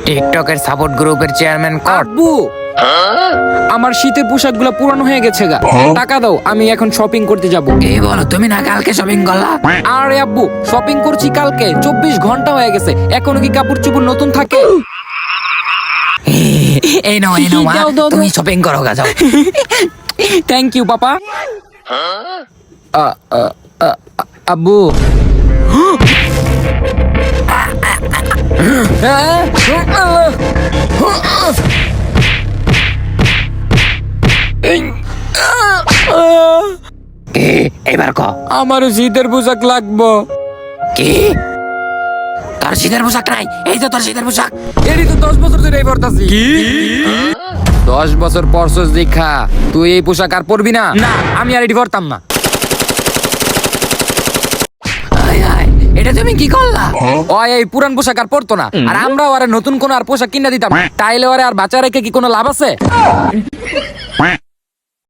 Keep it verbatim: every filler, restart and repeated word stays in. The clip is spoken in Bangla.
টিকটকের সাপোর্ট গ্রুপের চেয়ারম্যান কট। আব্বু, আমার শীতের পোশাকগুলো পুরানো হয়ে গেছে গা, টাকা দাও, আমি এখন শপিং করতে যাব। এই বলো, তুমি না কালকে শপিং করলা? আরে আব্বু, শপিং করছি কালকে, চব্বিশ ঘন্টা হয়ে গেছে, এখনো কি কাপড় চোপড় নতুন থাকে? এই নাও এই নাও মা, দাও, দাও, দাও। তুমি শপিং করো গা, যাও। Thank you papa. আ, আ, আ, আব্বু, কি এবার ক? আমারও শীতের পোশাক লাগবো। কি তোর শীতের পোশাক নাই? এই তো তোর শীতের পোশাক। এরই তো দশ বছর ধরে এই পরতাছি। কি দশ বছর পরছস দেখা তুই এই পোশাক আর পরবি না? না, আমি আর এটি পরতাম না। আয় আয়, এটা তুমি কি করলা? ও এই পুরান পোশাক আর পরতো না, আর আমরাও আর নতুন কোন আর পোশাক কিনা দিতাম, তাইলে ওরে আর বাচ্চা রেখে কি কোনো লাভ আছে?